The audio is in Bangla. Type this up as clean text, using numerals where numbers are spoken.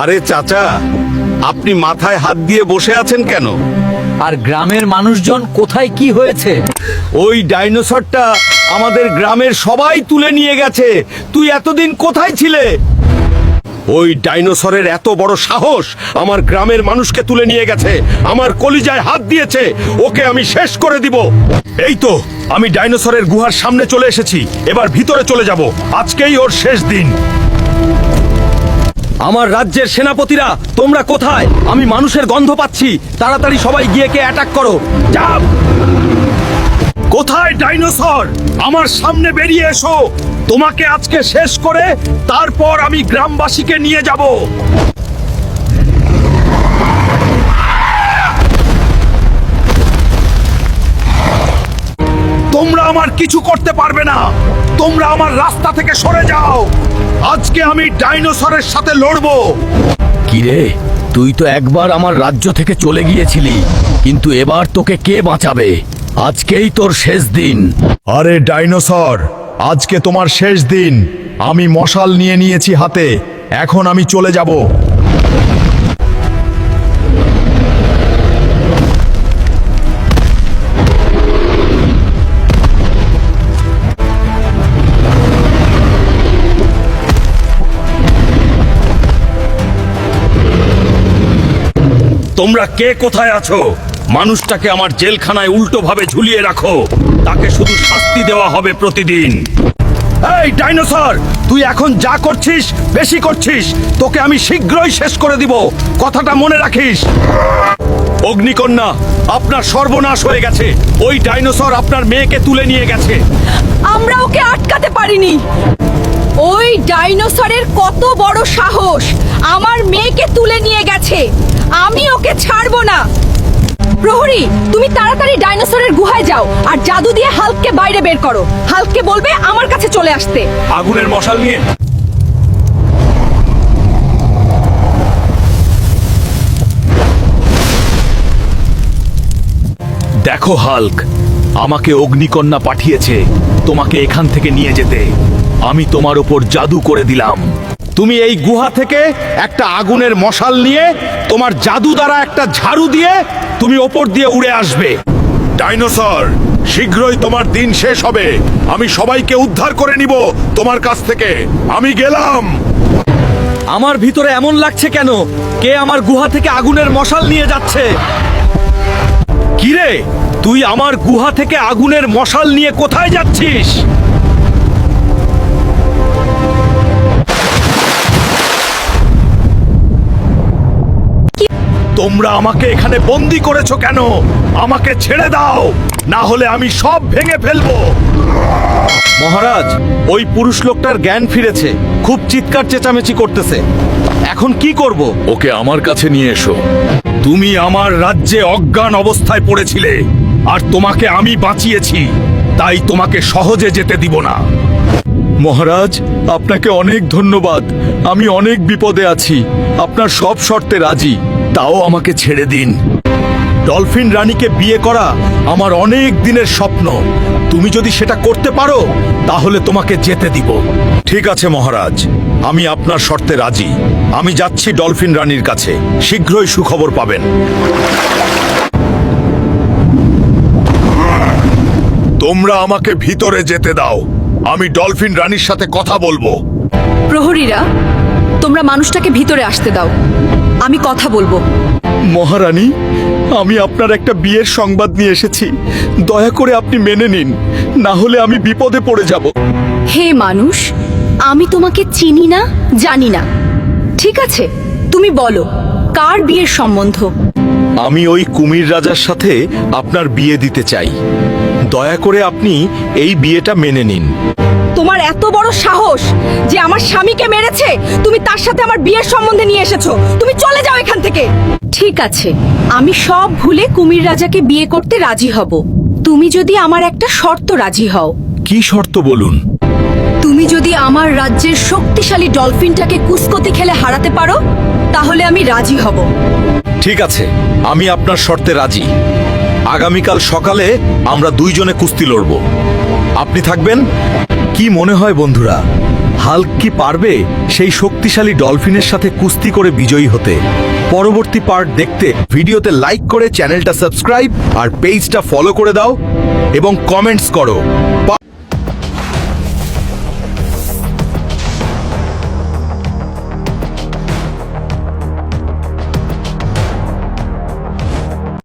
আরে চাচা, আপনি মাথায় হাত দিয়ে বসে আছেন কেন? আর গ্রামের মানুষজন কোথায় কি হয়েছে? ওই ডাইনোসরটা আমাদের গ্রামের সবাই তুলে নিয়ে গেছে। তুই এতদিন কোথায় ছিলে? ওই ডাইনোসরের এত বড় সাহস আমার গ্রামের মানুষকে তুলে নিয়ে গেছে, আমার কলিজায় হাত দিয়েছে। ওকে আমি শেষ করে দিব। এই তো আমি ডাইনোসরের গুহার সামনে চলে এসেছি, এবার ভিতরে চলে যাব। আজকেই ওর শেষ দিন। আমার রাজ্যের সেনাপতিরা, তোমরা কোথায়? আমি মানুষের গন্ধ পাচ্ছি। তাড়াতাড়ি সবাই গিয়ে কে অ্যাটাক করো। যাও! কোথায় ডাইনোসর? আমার সামনে বেরিয়ে এসো। তোমাকে আজকে শেষ করে তারপর আমি গ্রামবাসীকে নিয়ে যাব। তোমরা আমার কিছু করতে পারবে না। তোমরা আমার রাস্তা থেকে সরে যাও। আজকে আমি ডাইনোসরের সাথে লড়বো। কিরে, তুই তো একবার আমার রাজ্য থেকে চলে গিয়েছিলি, কিন্তু এবার তোকে কে বাঁচাবে? আজকেই তোর শেষ দিন। আরে ডাইনোসর, আজকে তোমার শেষ দিন। আমি মশাল নিয়ে নিয়েছি হাতে, এখন আমি চলে যাব। তোমরা কে কোথায় আছো? মানুষটাকে আমার জেলখানায় উল্টোভাবে ঝুলিয়ে রাখো। তাকে শুধু শাস্তি দেওয়া হবে প্রতিদিন। এই ডাইনোসর, তুই এখন যা করছিস বেশি করছিস। তোকে আমি শীঘ্রই শেষ করে দিব, কথাটা মনে রাখিস। অগ্নিকন্যা, আপনার সর্বনাশ হয়ে গেছে। ওই ডাইনোসর আপনার মেয়েকে তুলে নিয়ে গেছে। আমরা ওকে আটকাতে পারিনি। ওই ডাইনোসরের কত বড় সাহস! আমার মেয়েকে তুলে নিয়ে গেছে। আমি ওকে ছাড়বো না। প্রহরী, তুমি তাড়াতাড়ি ডাইনোসরের গুহায় যাও আর জাদু দিয়ে হাল্ককে বাইরে বের করো। হাল্ককে বলবে আমার কাছে চলে আসতে। আগুনের মশাল নিয়ে। দেখো হাল্ক, আমাকে অগ্নিকন্যা পাঠিয়েছে তোমাকে এখান থেকে নিয়ে যেতে। আমি তোমার উপর জাদু করে দিলাম। তুমি এই গুহা থেকে একটা আগুনের মশাল নিয়ে তোমার জাদু দ্বারা একটা ঝাড়ু দিয়ে তুমি ওপর দিয়ে উড়ে আসবে। ডাইনোসর, শীঘ্রই তোমার দিন শেষ হবে। আমি সবাইকে উদ্ধার করে নিব তোমার কাছ থেকে। আমি গেলাম। আমার ভিতরে এমন লাগছে কেন? কে আমার গুহা থেকে আগুনের মশাল নিয়ে যাচ্ছে? কিরে, তুই আমার গুহা থেকে আগুনের মশাল নিয়ে কোথায় যাচ্ছিস? তোমরা আমাকে এখানে বন্দি করেছো কেন? আমাকে ছেড়ে দাও, না হলে আমি সব ভেঙে ফেলবো। মহারাজ, ওই পুরুষ লোকটার জ্ঞান ফিরেছে, খুব চিৎকার চেঁচামেচি করতেছে। এখন কি করব? ওকে আমার কাছে নিয়ে এসো। তুমি আমার রাজ্যে অজ্ঞান অবস্থায় পড়েছিলে, আর তোমাকে আমি বাঁচিয়েছি, তাই তোমাকে সহজে যেতে দিব না। মহারাজ, আপনাকে অনেক ধন্যবাদ। আমি অনেক বিপদে আছি, আপনার সব শর্তে রাজি। তাও আমাকে ছেড়ে দিন। ডলফিন রানীকে বিয়ে করা আমার অনেক দিনের স্বপ্ন। তুমি যদি সেটা করতে পারো তাহলে তোমাকে যেতে দিব। ঠিক আছে মহারাজ, আমি আপনার শর্তে রাজি। আমি যাচ্ছি ডলফিন রানীর কাছে, শীঘ্রই সুখবর পাবেন। তোমরা আমাকে ভিতরে যেতে দাও, আমি ডলফিন রানীর সাথে কথা বলবো। প্রহরীরা, তোমরা মানুষটাকে ভিতরে আসতে দাও, আমি কথা বলবো। মহারানী, আমি আপনার একটা বিয়ের সংবাদ নিয়ে এসেছি। দয়া করে আপনি মেনে নিন, না হলে আমি বিপদে পড়ে যাব। হে মানুষ, আমি তোমাকে চিনি না, জানি না। ঠিক আছে, তুমি বলো, কার বিয়ের সম্বন্ধ? আমি ওই কুমির রাজার সাথে আপনার বিয়ে দিতে চাই। দয়া করে আপনি এই বিয়েটা মেনে নিন। তোমার এত বড় সাহস যে আমার স্বামীকে মেরেছে তুমি তার সাথে আমার বিয়ের সম্বন্ধে নিয়ে এসেছো। তুমি চলে যাও এখান থেকে। ঠিক আছে, আমি সব ভুলে কুমির রাজাকে বিয়ে করতে রাজি হব, তুমি যদি আমার একটা শর্ত রাজি হও। কি শর্ত বলুন? তুমি যদি আমার রাজ্যের শক্তিশালী ডলফিনটাকে কুস্কতি খেলে হারাতে পারো তাহলে আমি রাজি হব। ঠিক আছে, আমি আপনার শর্তে রাজি। আগামীকাল সকালে আমরা দুইজনে কুস্তি লড়ব। আপনি থাকবেন? কি মনে হয় বন্ধুরা, হাল্ক কি পারবে সেই শক্তিশালী ডলফিনের সাথে কুস্তি করে বিজয়ী হতে? পরবর্তী পার্ট দেখতে ভিডিওতে লাইক করে চ্যানেলটা সাবস্ক্রাইব আর পেজটা ফলো করে দাও এবং কমেন্টস করো।